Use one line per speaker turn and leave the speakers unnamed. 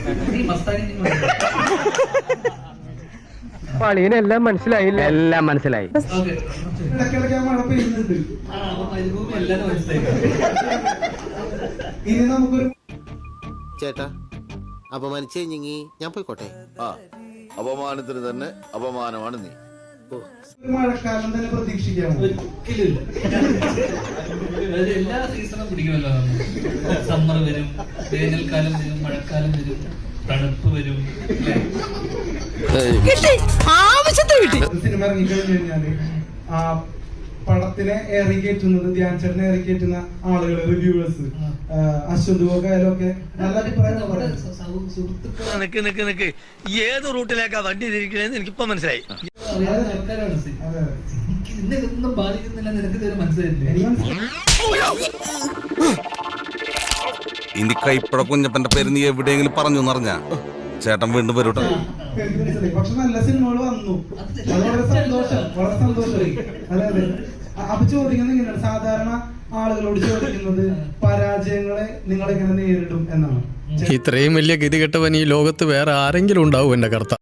പളിയനെല്ലാം മനസ്സിലായില്ല. എല്ലാം മനസ്സിലായി.
ചേട്ടാ അപമാനിച്ചു കഴിഞ്ഞെങ്കിൽ ഞാൻ പോയിക്കോട്ടെ.
അപമാനത്തിന് തന്നെ അപമാനമാണ് നീ.
മഴക്കാലം തന്നെ പ്രതീക്ഷിക്കാം.
ഒരിക്കലും എല്ലാ സീസണും പിടിക്കുമല്ലോ. സമ്മർ വരും, വേനൽക്കാലം വരും, മഴക്കാലം വരും, തണുപ്പ് വരും.
സിനിമ ഇറങ്ങിക്കഴിഞ്ഞു കഴിഞ്ഞാല് ആ പടത്തിനെ ഏറിക്കയറ്റുന്നത്, ധ്യാൻ ചേട്ടനെ ഏറിക്കയറ്റുന്ന ആളുകൾ, റിവ്യൂവേഴ്സ്, അശ്വന്തുവൊക്കെയായാലും ഒക്കെ നല്ല അഭിപ്രായം.
നിക്ക് ഏത് റൂട്ടിലേക്കാ വണ്ടി തിരിക്കണേന്ന് എനിക്കിപ്പോ മനസ്സിലായി.
ഇതൊന്നും ബാധിക്കുന്നില്ല, നിനക്ക് ഇതുവരെ മനസ്സിലായില്ലേ?
ഇനി കൈപ്പട കുഞ്ഞപ്പന്റെ പേര് നീ എവിടെയെങ്കിലും പറഞ്ഞു എന്നറിഞ്ഞ ചേട്ടൻ വീണ്ടും വരൂട്ടോ.
പക്ഷെ നല്ല സിനിമകൾ വന്നു, വളരെ സന്തോഷം, വളരെ സന്തോഷമായി. അതെ അതെ. അപ്പൊ ചോദിക്കുന്നത് ഇങ്ങനെയാണ്, സാധാരണ ആളുകളോട് ചോദിക്കുന്നത് പരാജയങ്ങളെ നിങ്ങൾ എങ്ങനെ നേരിടും എന്നാണ്.
ഇത്രയും വലിയ ഗതികെട്ടവൻ ഈ ലോകത്ത് വേറെ ആരെങ്കിലും ഉണ്ടാവും എന്റെ കർത്ത.